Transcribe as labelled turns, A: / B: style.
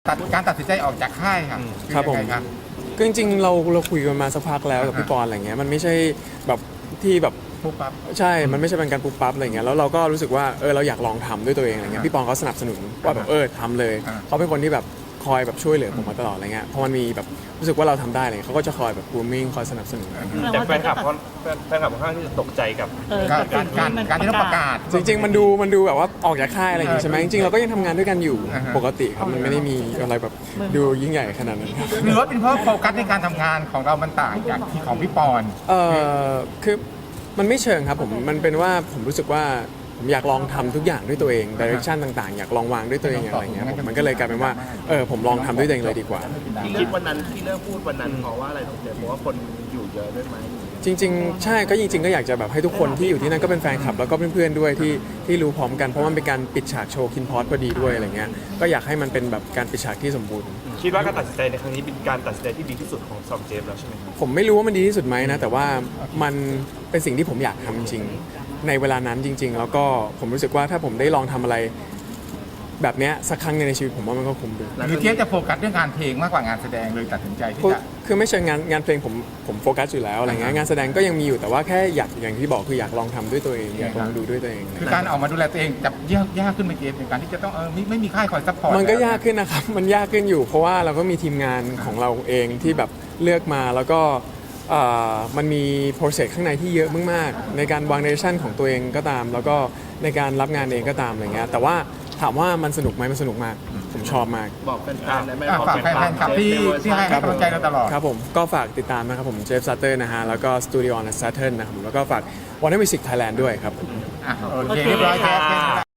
A: การตัดสินใจออกจากค่ายค่ะ
B: ครับผม
A: อยังไง
B: ก็จริงๆเราคุยกันมาสักพักแล้วกับพี่ปอนอะไรเงี้ยมันไม่ใช่แบบที่แบบ
A: ปุ๊บปั๊บ
B: ใช่ มันไม่ใช่เป็นการปุ๊บปั๊บอะไรเงี้ยแล้วเราก็รู้สึกว่าเราอยากลองทำด้วยตัวเองอะไรเงี้ยพี่ปองเขาสนับสนุนว่าแบบทำเลย เขาเป็นคนที่แบบคอยแบบช่วยเหลือผมมาตลอดอะไรเงี้ยพอมันมีแบบรู้สึกว่าเราทำได้เลยเขาก็จะคอยแบบบูมมิ่งคอยสนับสนุน
C: แต่แฟนคลับค่อนข้างที่จะตกใจกับ
A: การที่ต้องประกาศ
B: จริงๆมันดูแบบว่าออกจากค่ายอะไรอย่างงี้ใช่ไหมจริงๆเราก็ยังทำงานด้วยกันอยู่ปกติครับมันไม่ได้มีอะไรแบบดูยิ่งใหญ่ขนาดนั้นครับ
A: หรือว่าเป็นเพราะโฟกัสในการทำงานของเรามันต่างจากที่ของพี่ปอน
B: คือมันไม่เชิงครับผมมันเป็นว่าผมรู้สึกว่าผมอยากลองทำทุกอย่างด้วยตัวเองดิเรกชันต่างๆอยากลองวางด้วยตัวเองอะไรอย่างเงี้ยมันก็เลยกลายเป็นว่าผมลองทำด้วยตัวเองเลยดีกว่า
C: ที่คิดวันนั้นที่เลิกพูดวันนั้นเพราะว่าอะไรถึงเจเพราะว่าคนอยู่เยอะด้วยไหม
B: จริงๆใช่ก็จริงๆก็อยากจะแบบให้ทุกคนที่อยู่ที่นั่นก็เป็นแฟนคลับแล้วก็เพื่อนๆด้วยที่รู้พร้อมกันเพราะมันเป็นการปิดฉากโชว์คินพอสพอดีด้วยอะไรเงี้ยก็อยากให้มันเป็นแบบการปิดฉากที่สมบูรณ์
C: คิดว่าการตัดสินใจในครั้งนี้เป็นการตัดสินใจที่ดีที่สุดของซอมเจมส์แล้วใช่ไหมครับ
B: ผมไม่รู้ว่ามันดีที่สุดไหมนะแต่ว่ามันเป็นสิ่งที่ผมอยากทำจริงในเวลานั้นจริง ๆ แล้วก็ผมรู้สึกว่าถ้าผมได้ลองทำอะไรแบบเนี้ยสักครั้งในชีวิตผมว่ามันก็คุ้มดี
A: หรือเทียบจะโฟกัสเรื่องงานเพลงมากกว่างานแสดงเลยตัดสินใจที่จะ
B: คือไม่ใช่งานเพลงผมโฟกัสอยู่แล้วอะไรเงี้ยงานแสดงก็ยังมีอยู่แต่ว่าแค่อยากอย่างที่บอกคืออยากลองทำด้วยตัวเองอยากลองดูด้วยตัวเอง
A: คือการออกมาดูแลตัวเองจะยากขึ้นไปเกณฑ์ในการที่จะต้องไม่มีค่ายคอยซัพพอร์ต
B: มันก็ยากขึ้นนะครับ มันยากขึ้นอยู่ เพราะว่าเราก็มีทีมงานของเราเองที่แบบเลือกมาแล้วก็มันมีโปรเซสข้างในที่เยอะมากๆในการวางเดเรคชั่นของตัวเองก็ตาม แล้วก็ในการรับงานเองก็ตามอะไรเงี้ยแต่ว่าถามว่ามันสนุกไหมมันสนุกมากผมชอบมาก
C: บอกแฟนๆได้ไหม
A: ฝากแฟนคลับที่ให้กำลังใจเราตลอด
B: ครับผมก็ฝากติดตามนะครับผมเจฟซัตเตอร์นะฮะแล้วก็สตูดิโอ on Saturn นะครับผมแล้วก็ฝาก Warner Music Thailand ด้วยครับ
A: โอเคเรียบร้อยครับ